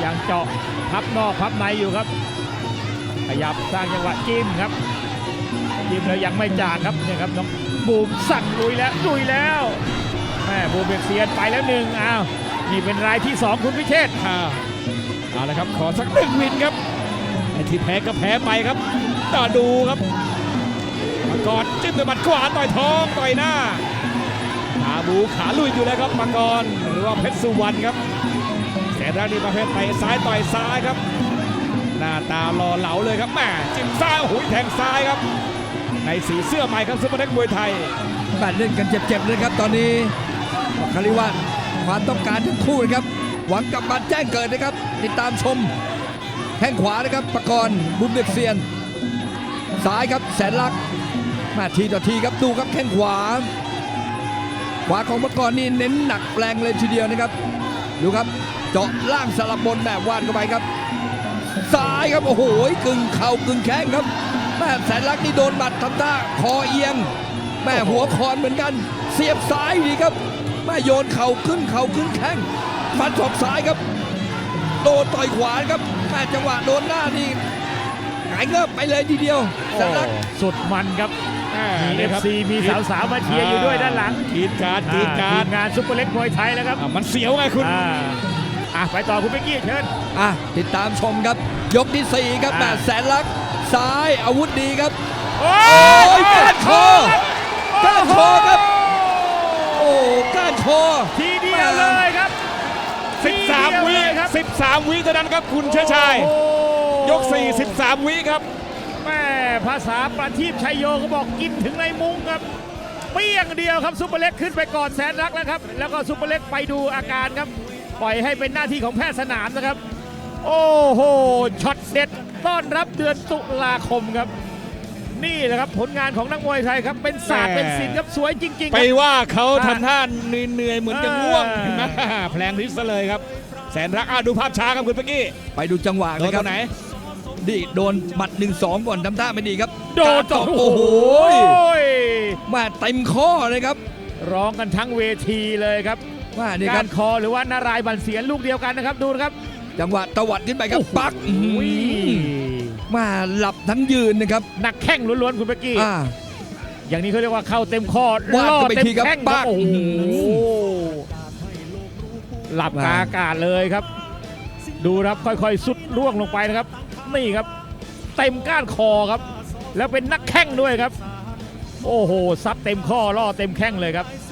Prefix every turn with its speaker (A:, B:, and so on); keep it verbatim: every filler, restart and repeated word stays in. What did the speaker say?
A: ยังเจาะพับนอกพับในอยู่ครับขยับสร้างจังหวะจิ้มครับจิ้มแล้วยังไม่จางครับเนี่ยครับน้องบูมสั่งลุยแล้วลุยแล้วแม่บูมเบียดเซียนไปแล้วหนึ่งอ้าวนี่เป็นรายที่สองคุณพิเชษฐ์
B: เอาละครับขอสักหนึ่งวินครับไอ้ที่แพ้ก็แพ้ไปครับต่อดูครับมังกรจิ้มด้วยหมัดขวาต่อยท้องต่อยหน้าขาบูขาลุยอยู่แล้วครับมังกรหรือว่าเพชรสุวรรณครับแสนรักนี่ประเภทเตะซ้ายต่อยซ้ายครับหน้าตารอเหลาเลยครับแม่จิ้มซ้ายหุยแทงซ้ายครับในสีเสื้อใหม่ครับซุปเปอร์เล็กมวยไทย
C: แบดเล่นกันเจ็บๆเลยครับตอนนี้คาริวัตความต้องการทั้งคู่นะครับหวังกลับมาแจ้งเกิดนะครับติดตามชมแข้งขวานะครับปกรณ์บุญเด็กเซียนซ้ายครับแสนลักษณ์มาทีต่อทีครับดูครับแข้งขวาขวาของปกรณ์นี่เน้นหนักแรงเลยทีเดียวนะครับดูครับเจาะล่างสลับบนแบบวานเข้าไปครับซ้ายครับโอ้โหกึ่งเข่ากึ่งแข้งครับแม่แสนลักษณ์นี่โดนบัดทำท่าคอเอียงแม่หัวคอนเหมือนกันเสียบซ้ายดีครับแม่โยนเข่าขึ้นเข่าขึ้นแข้งฟันศอกซ้ายครับโดนต่อยขวาครับแม่จังหวะโดนหน้านี่หงายเงือบไปเลยทีเดียวแสนลักษณ์
A: สุดมันครับมีเอฟซีมีสาวๆมาเชียร์อยู่ด้วยด้านหลัง
B: กีดการกีดการ
A: งานซุปเปอร์เล็กมวยไทยแล้วครับ
B: มันเสียวไงคุณ
A: อ่ะไปต่อคุณเป๊กกี้เชิญ
C: อ่ะติดตามชมครับยกที่สี่ครับแม่แสนลักษณ์ซ้ายอาวุธดีครับโอ้ยก้านคอก้านคอครับโอ้ก้านคอ
A: ทีเดียวเลยครับ
B: สิบสามวิครับสิบสามวิเท่านั้นครับคุณเชิดชัยยกสี่ สิบสามวิครับ
A: แม่ภาษาประทีปชัยโยเขาบอกกินถึงในมุ้งครับเปี้ยงเดียวครับซุปเปอร์เล็กขึ้นไปก่อนแสนรักแล้วครับแล้วก็ซุปเปอร์เล็กไปดูอาการครับปล่อยให้เป็นหน้าที่ของแพทย์สนามนะครับโอ้โหช็อตเด็ดต้อนรับเดือนตุลาคมครับนี่แหละครับผลงานของนักมวยไทยครับเป็นศาสตร์เป็นศิลป์ครับสวยจริงๆ
B: ไปว่าเขาทำท่าเหนื่อยเหมือนจะง่วงแผลงฤทธิ์ซะเลยครับแสนรักดูภาพช้าครับคุณเป๊กกี้
C: ไปดูจังหวะ
B: เลยครับไหน
C: ดิโดนหมัดหนึ่งสองก่อนทำท่าไม่ดีครับ
A: โดนต่อโอ้โห
C: มาเต็มข้อเลยครับ
A: ร้องกันทั้งเวทีเลยครับ
C: ว่านี่
A: การคอหรือว่านารายบันเสียนลูกเดียวกันนะครับดูนะครับ
C: จังหวะตวัดขึ้นไปครับปักมาหลับทั้งยืนนะครับ
A: หนักแข้งล้วนๆคุณเป๊กกี้อย่างนี้เขาเรียกว่าเข้าเต็มข้อ
C: ล่อเต็มแข้งปัก
A: โอ้โหหลับกาอากาศเลยครับดูครับค่อยๆสุดร่วงลงไปนะครับนี่ครับเต็มก้านคอครับแล้วเป็นนักแข้งด้วยครับโอ้โหซับเต็มข้อล่อเต็มแข้งเลยครับ